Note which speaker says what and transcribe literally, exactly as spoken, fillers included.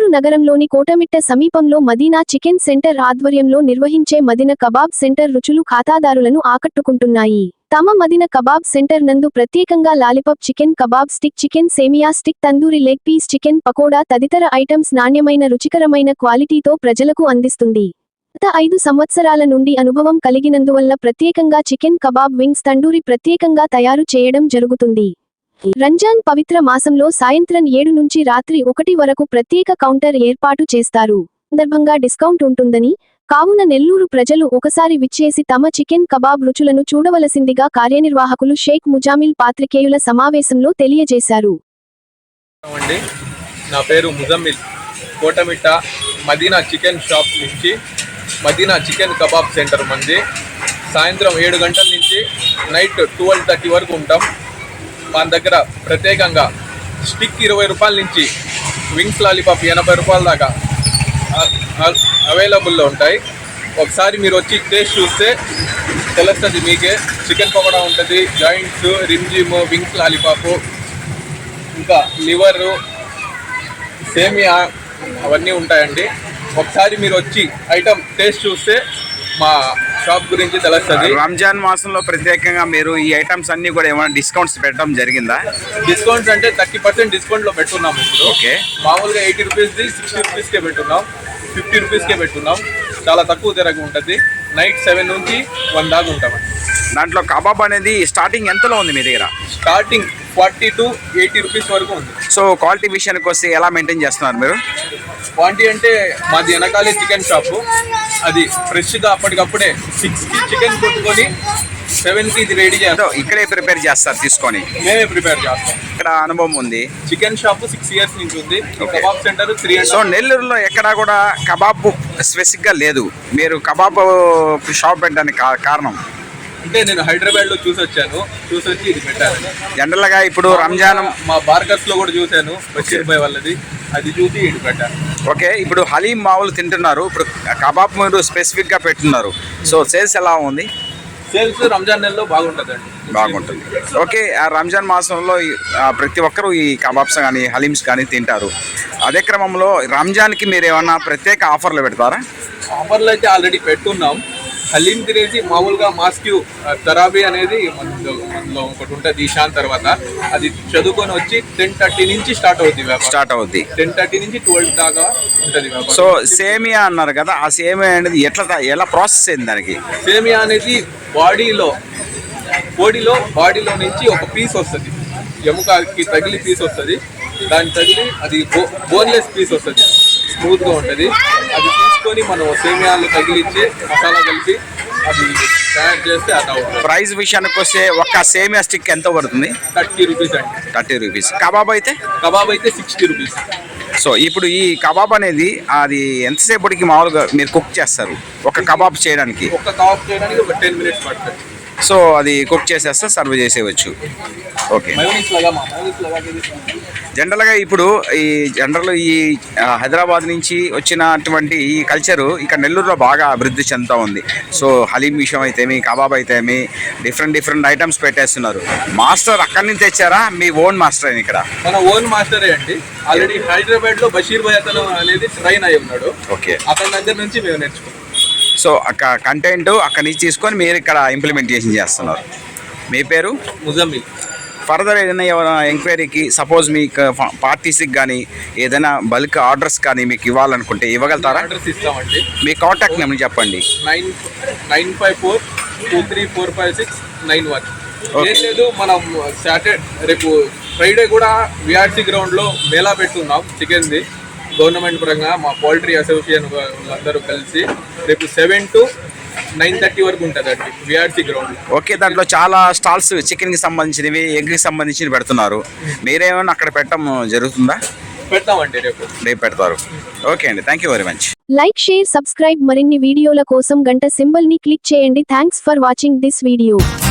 Speaker 1: నగరంలోని కోటమిట్ట సమీపంలో Madina chicken centre ఆధ్వర్యంలో నిర్వహించే మదీనా కబాబ్ సెంటర్ రుచులు ఖాతాదారులను ఆకట్టుకుంటున్నాయి. తమ మదీనా కబాబ్ సెంటర్ నందు ప్రత్యేకంగా lollipop chicken, kebab stick chicken, semiya stick, tandoori leg piece chicken, pakoda తదితర ఐటమ్స్ నాణ్యమైన రుచికరమైన క్వాలిటీతో ప్రజలకు అందిస్తుంది. గత ఐదు సంవత్సరాల నుండి అనుభవం కలిగినందువల్ల ప్రత్యేకంగా చికెన్, కబాబ్, వింగ్స్, తండూరి ప్రత్యేకంగా తయారు చేయడం జరుగుతుంది. రంజాన్ పవిత్ర మాసంలో సాయంత్రం ఏడు నుంచి రాత్రి ఒకటి వరకు ప్రత్యేక కౌంటర్ ఏర్పాటు చేస్తారు. సందర్భంగా డిస్కౌంట్ ఉంటుందని, కావున నెల్లూరు ప్రజలు ఒకసారి విచ్చేసి తమ చికెన్, కబాబ్ రుచులను చూడవలసిందిగా కార్యనిర్వాహకులు షేక్ ముజామిల్ పాత్రికేయుల సమావేశంలో తెలియజేశారు.
Speaker 2: నా పేరు ముజామిల్. కోటమిట్ట మదీనా చికెన్ షాప్ నుంచి మదీనా చికెన్ కబాబ్ సెంటర్ మంది సాయంత్రం ఏడు గంటల నుంచి నైట్ ట్వెల్వ్ థర్టీ వరకు ఉంటాం. మన దగ్గర ప్రత్యేకంగా స్టిక్ ఇరవై రూపాయల నుంచి వింగ్స్ లాలీపాప్ ఎనభై రూపాయల దాకా అవైలబుల్లో ఉంటాయి. ఒకసారి మీరు వచ్చి టేస్ట్ చూస్తే తెలుస్తుంది మీకే. చికెన్ పకోడా ఉంటుంది, జాయింట్స్, రిమ్జిమ్, వింగ్స్ లాలీపాపు, ఇంకా లివరు, సేమియా అవన్నీ ఉంటాయండి. ఒకసారి మీరు వచ్చి ఐటమ్ టేస్ట్ చూస్తే మా షాప్ గురించి తెలుస్తుంది.
Speaker 3: రంజాన్ మాసంలో ప్రత్యేకంగా మీరు ఈ ఐటమ్స్ అన్ని కూడా ఏమైనా డిస్కౌంట్స్ పెట్టడం జరిగిందా?
Speaker 2: డిస్కౌంట్స్ అంటే థర్టీ పర్సెంట్ డిస్కౌంట్లో పెట్టున్నాం ఇప్పుడు.
Speaker 3: ఓకే,
Speaker 2: మామూలుగా ఎయిటీ రూపీస్ది సిక్స్టీ రూపీస్కే పెట్టున్నాం, ఫిఫ్టీ రూపీస్కే పెట్టున్నాం. చాలా తక్కువ ధరకు ఉంటుంది. నైట్ సెవెన్ నుంచి వన్ దాకా ఉంటామండి.
Speaker 3: దాంట్లో కబాబ్ అనేది స్టార్టింగ్ ఎంతలో ఉంది మీ దగ్గర?
Speaker 2: Starting forty to eighty rupees వరకు ఉంది.
Speaker 3: సో క్వాలిటీ విషయానికి వస్తే ఎలా మెయింటైన్ చేస్తున్నారు మీరు?
Speaker 2: క్వాంటిటీ అంటే మాది వెనకాలే చికెన్ షాపు. అది ఫ్రెష్గా అప్పటికప్పుడే సిక్స్కి చికెన్ కొట్టుకొని సెవెన్కి ఇది రెడీ చేస్తాం.
Speaker 3: ఇక్కడే ప్రిపేర్ చేస్తారు తీసుకొని?
Speaker 2: మేమే ప్రిపేర్ చేస్తాం.
Speaker 3: ఇక్కడ అనుభవం ఉంది.
Speaker 2: చికెన్ షాప్ సిక్స్ ఇయర్స్ నుంచి ఉంది. Kebab centre three.
Speaker 3: సో నెల్లూరులో ఎక్కడా కూడా కబాబ్ స్పెసిఫిక్గా లేదు. మీరు కబాబ్ షాప్ పెట్టడానికి కారణం
Speaker 2: అంటే నేను హైదరాబాద్లో చూసి వచ్చాను, చూసి వచ్చి ఇది పెట్టాను.
Speaker 3: జనరల్గా ఇప్పుడు రంజాన్
Speaker 2: మా బార్గర్స్లో కూడా చూశాను, బషీర్ భాయ్ వాళ్ళది, అది చూసి ఇది పెట్టాను.
Speaker 3: ఓకే, ఇప్పుడు హలీం మావులు తింటున్నారు, ఇప్పుడు కబాబ్ మీరు స్పెసిఫిక్గా పెట్టున్నారు. సో సేల్స్ ఎలా ఉంది?
Speaker 2: సేల్స్ రంజాన్ నెలలో బాగుంటుందండి.
Speaker 3: బాగుంటుంది. ఓకే, ఆ రంజాన్ మాసంలో ప్రతి ఒక్కరూ ఈ కబాబ్స్ కానీ హలీమ్స్ కానీ తింటారు. అదే క్రమంలో రంజాన్కి మీరు ఏమన్నా ప్రత్యేక ఆఫర్లు పెడతారా?
Speaker 2: ఆఫర్లు అయితే ఆల్రెడీ పెట్టున్నాం. హలీం తినేసి మామూలుగా మాస్క్యూ తరాబీ అనేది మనలో మనలో ఒకటి ఉంటుంది ఈశాన్ తర్వాత, అది చదువుకొని వచ్చి టెన్ థర్టీ నుంచి స్టార్ట్ అవుతుంది
Speaker 3: స్టార్ట్ అవుద్ది
Speaker 2: టెన్ థర్టీ నుంచి ట్వెల్వ్ దాకా ఉంటుంది.
Speaker 3: సో సేమియా అన్నారు కదా, ఆ సేమియా అనేది ఎట్లా ఎలా ప్రాసెస్ అయింది దానికి?
Speaker 2: సేమియా అనేది బాడీలో బాడీలో బాడీలో నుంచి ఒక పీస్ వస్తుంది, ఎముకకి తగిలి పీస్ వస్తుంది. దాన్ని తగిలి అది బో బోన్లెస్ పీస్ వస్తుంది, స్మూత్గా ఉంటుంది. అది తీసుకొని మనం సేమియాలు తగిలించి మసాలా కలిపి అది తయారు చేస్తే అది అవుతుంది.
Speaker 3: ప్రైస్ విషయానికి వస్తే ఒక్క సేమియా స్టిక్ ఎంత పడుతుంది?
Speaker 2: థర్టీ రూపీస్ అండి.
Speaker 3: Thirty rupees. కబాబ్ అయితే?
Speaker 2: కబాబ్ అయితే సిక్స్టీ రూపీస్.
Speaker 3: సో ఇప్పుడు ఈ కబాబ్ అనేది అది ఎంతసేపటికి మామూలుగా మీరు కుక్ చేస్తారు ఒక కబాబ్ చేయడానికి?
Speaker 2: ఒక కబాబ్ చేయడానికి ఒక టెన్ మినిట్స్ పడుతుంది.
Speaker 3: సో అది కుక్ చేసేస్తే సర్వ్ చేసేయచ్చు. ఓకే, జనరల్గా ఇప్పుడు ఈ జనరల్ ఈ హైదరాబాద్ నుంచి వచ్చినటువంటి ఈ కల్చరు ఇక్కడ నెల్లూరులో బాగా అభివృద్ధి చెందుతూ ఉంది. సో హలీం విషయం అయితేమి, కబాబ్ అయితేమి, డిఫరెంట్ డిఫరెంట్ ఐటమ్స్ పెట్టేస్తున్నారు. మాస్టర్ అక్కడి నుంచి తెచ్చారా? మీ ఓన్ మాస్టర్ ఇక్కడ?
Speaker 2: మన ఓన్ మాస్టరే అండి. ఆల్రెడీ హైదరాబాద్ లో బషీర్ భాయ్ అతను అనేది ట్రైన్ అయి ఉన్నాడు.
Speaker 3: ఓకే,
Speaker 2: అతని దగ్గర నుంచి మేము నేర్చుకున్నాం.
Speaker 3: సో అక్కడ కంటెంట్ అక్కడి నుంచి తీసుకొని మీరు ఇక్కడ ఇంప్లిమెంటేషన్ చేస్తున్నారు. మీ పేరు?
Speaker 2: ముజామిల్.
Speaker 3: ఫర్దర్ ఏదైనా ఎవరైనా ఎంక్వైరీకి సపోజ్ మీకు పార్టీస్కి కానీ ఏదైనా బల్క్ ఆర్డర్స్ కానీ మీకు ఇవ్వాలనుకుంటే ఇవ్వగలుగుతారా?
Speaker 2: ఆర్డర్స్ ఇస్తామండి.
Speaker 3: మీ కాంటాక్ట్ నెంబర్ చెప్పండి.
Speaker 2: Nine nine five four two three four five six nine one. ఏం లేదు, మనం సాటర్డే రేపు ఫ్రైడే కూడా విఆర్సీ గ్రౌండ్లో మేళా పెట్టున్నాం చికెన్ది. గవర్నమెంట్ పరంగా మా పౌల్ట్రీ అసోసియేషన్ వాళ్ళందరూ కలిసి రేపు సెవెన్ టు నైన్ థర్టీ వరకు ఉంటుంది అండి విఆర్సీ గ్రౌండ్.
Speaker 3: ఓకే, దాంట్లో చాలా స్టాల్స్ చికెన్కి సంబంధించినవి, ఎగ్కి సంబంధించినవి పెడుతున్నారు. మీరేమైనా అక్కడ పెట్టడం జరుగుతుందా?
Speaker 2: పెడతామండి, రేపు
Speaker 3: రేపు పెడతారు. ఓకే అండి, thank you very much.
Speaker 1: Like, share, subscribe. మరిన్ని వీడియోల కోసం గంట సింబల్ ని క్లిక్ చేయండి. Thanks for watching this video.